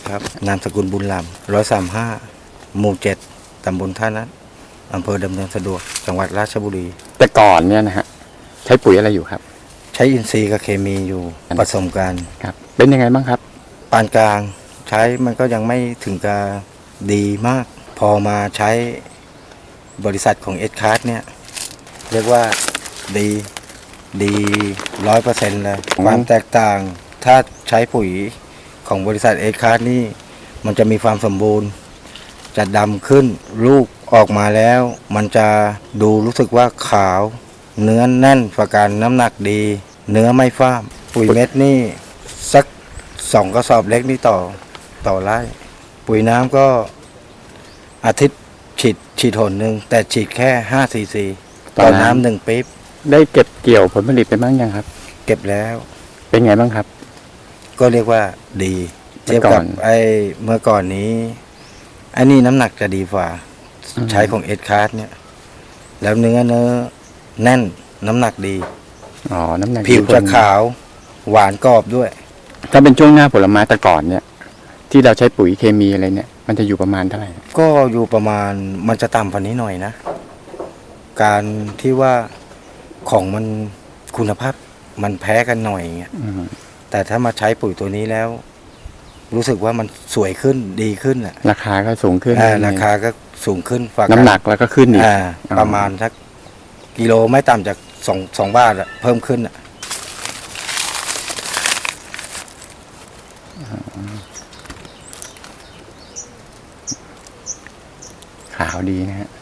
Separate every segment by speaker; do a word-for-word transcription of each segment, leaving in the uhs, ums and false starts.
Speaker 1: ครับนามสกุลบุญลำร้อยสามห้าหมู่เจ็ดตำบลท่านัทอำเภอดำเนินสะดวกจังหวัดราชบุรี
Speaker 2: แต่ก่อนเนี่ยนะฮะใช้ปุ๋ยอะไรอยู่ครับ
Speaker 1: ใช้อินทรีย์กับเคมีอยู่ผสมกัน
Speaker 2: ครับเป็นยังไงบ้างครับ
Speaker 1: ปานกลางใช้มันก็ยังไม่ถึงกับดีมากพอมาใช้บริษัทของเอสคาร์ดเนี่ยเรียกว่าดีดีร้อยเปอร์เซ็นต์เลยความแตกต่างถ้าใช้ปุ๋ยของบริษัทเอสคาร์ดนี่มันจะมีความสมบูรณ์จะดำขึ้นลูกออกมาแล้วมันจะดูรู้สึกว่าขาวเนื้อแน่นประกันน้ำหนักดีเนื้อไม่ฟ้ามปุ๋ยเม็ดนี่สักสองกระสอบเล็กนี่ต่อต่อไร่ปุ๋ยน้ำก็อาทิตย์ฉีดฉีดหนหนึ่งแต่ฉีดแค่ห้าซีซีต่อน้ำหนึ่งปี๊บ
Speaker 2: ได้เก็บเกี่ยวผลผลิตไปบ้างยังครับ
Speaker 1: เก็บแล้ว
Speaker 2: เป็นไงบ้างครับ
Speaker 1: ก็เรียกว่าดีเทียบกับไอ้เมื่อก่อนนี้ไอ้นี่น้ำหนักจะดีกว่าใช้ของเอสคาร์ดเนี่ยแล้วเนื้อเนื้อแน่นน้ำหนักดี
Speaker 2: อ๋อน้ำหนัก
Speaker 1: ผิวจะขาวหวานกรอบด้วย
Speaker 2: ถ้าเป็นช่วงหน้าผลไม้แต่ก่อนเนี่ยที่เราใช้ปุ๋ยเคมีอะไรเนี่ยมันจะอยู่ประมาณเท่าไหร่
Speaker 1: ก็อยู่ประมาณมันจะต่ำกว่านี้หน่อยนะการที่ว่าของมันคุณภาพมันแพ้กันหน่อยเงี้ยแต่ถ้ามาใช้ปุ๋ยตัวนี้แล้ว รู้สึกว่ามันสวยขึ้นดีขึ้นอ่ะ
Speaker 2: ราคาก็สูงขึ้น
Speaker 1: ราคาก็สูงขึ้นฝาก
Speaker 2: น้ำหนักแล้วก็ขึ้นอีก
Speaker 1: ประมาณสักกิโลไม่ต่ำจากสองสองบาทอ่ะเพิ่มขึ้นอ่ะ
Speaker 2: ขาวดีนะฮะ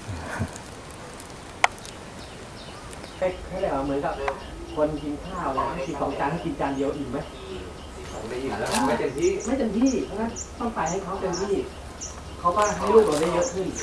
Speaker 3: ให้เลยเหมือนกับคนกินข้าวเลยกินสองจานให้กินจานเดียวอิ่มไหมไม่อิ่มแล้วไม่เต็มที่ไม่เต็มที่เพราะงั้นต้องไปให้เขาเต็มที่เขาก็ให้ลูกเราได้เยอะขึ้น